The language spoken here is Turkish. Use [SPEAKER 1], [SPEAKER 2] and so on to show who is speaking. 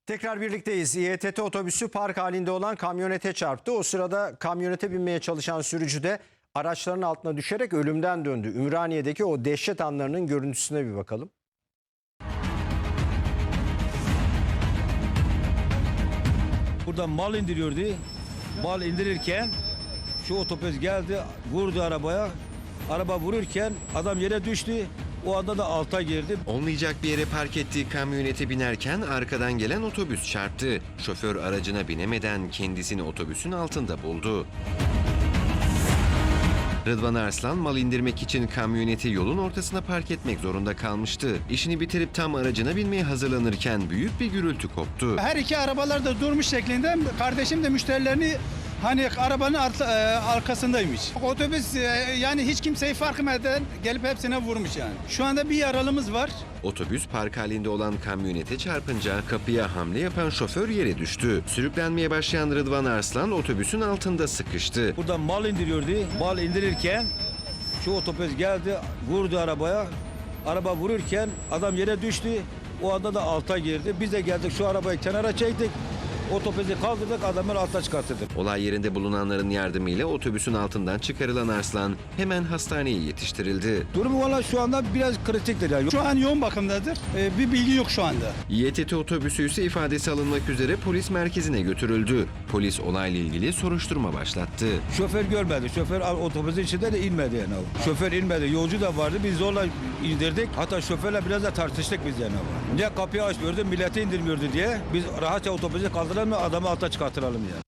[SPEAKER 1] Tekrar birlikteyiz. İETT otobüsü park halinde olan kamyonete çarptı. O sırada kamyonete binmeye çalışan sürücü de araçların altına düşerek ölümden döndü. Ümraniye'deki o dehşet anlarının görüntüsüne bir bakalım.
[SPEAKER 2] Buradan mal indiriyordu. Mal indirirken şu otobüs geldi, vurdu arabaya. Araba vururken adam yere düştü. O anda da alta girdi.
[SPEAKER 3] Olmayacak bir yere park ettiği kamyonete binerken arkadan gelen otobüs çarptı. Şoför aracına binemeden kendisini otobüsün altında buldu. Rıdvan Arslan mal indirmek için kamyoneti yolun ortasına park etmek zorunda kalmıştı. İşini bitirip tam aracına binmeye hazırlanırken büyük bir gürültü koptu.
[SPEAKER 4] Her iki arabalar da durmuş şeklinde. Kardeşim de müşterilerini arabanın arkasındaymış. Otobüs yani hiç kimseyi fark etmeden gelip hepsine vurmuş yani. Şu anda bir yaralımız var.
[SPEAKER 3] Otobüs park halinde olan kamyonete çarpınca kapıya hamle yapan şoför yere düştü. Sürüklenmeye başlayan Rıdvan Arslan otobüsün altında sıkıştı.
[SPEAKER 2] Buradan mal indiriyordu. Mal indirirken şu otobüs geldi, vurdu arabaya. Araba vururken adam yere düştü. O anda da alta girdi. Biz de geldik, şu arabayı kenara çektik. Otobüsü kaldırdık, adamın alta çıkarttık.
[SPEAKER 3] Olay yerinde bulunanların yardımıyla otobüsün altından çıkarılan Arslan hemen hastaneye yetiştirildi.
[SPEAKER 2] Durumu valla şu anda biraz kritiktir. Yani.
[SPEAKER 4] Şu an yoğun bakımdadır. Bir bilgi yok şu anda.
[SPEAKER 3] İETT otobüsü ise ifadesi alınmak üzere polis merkezine götürüldü. Polis olayla ilgili soruşturma başlattı.
[SPEAKER 2] Şoför görmedi. Şoför otobüsün içinde de inmedi yani. Şoför inmedi. Yolcu da vardı. Biz zorla indirdik. Hatta şoförle biraz da tartıştık biz yani. Ne kapıyı açmıyordu, milleti indirmiyordu diye. Biz rahatça otobüse kaldıramıyor, adamı alta çıkartıralım yani.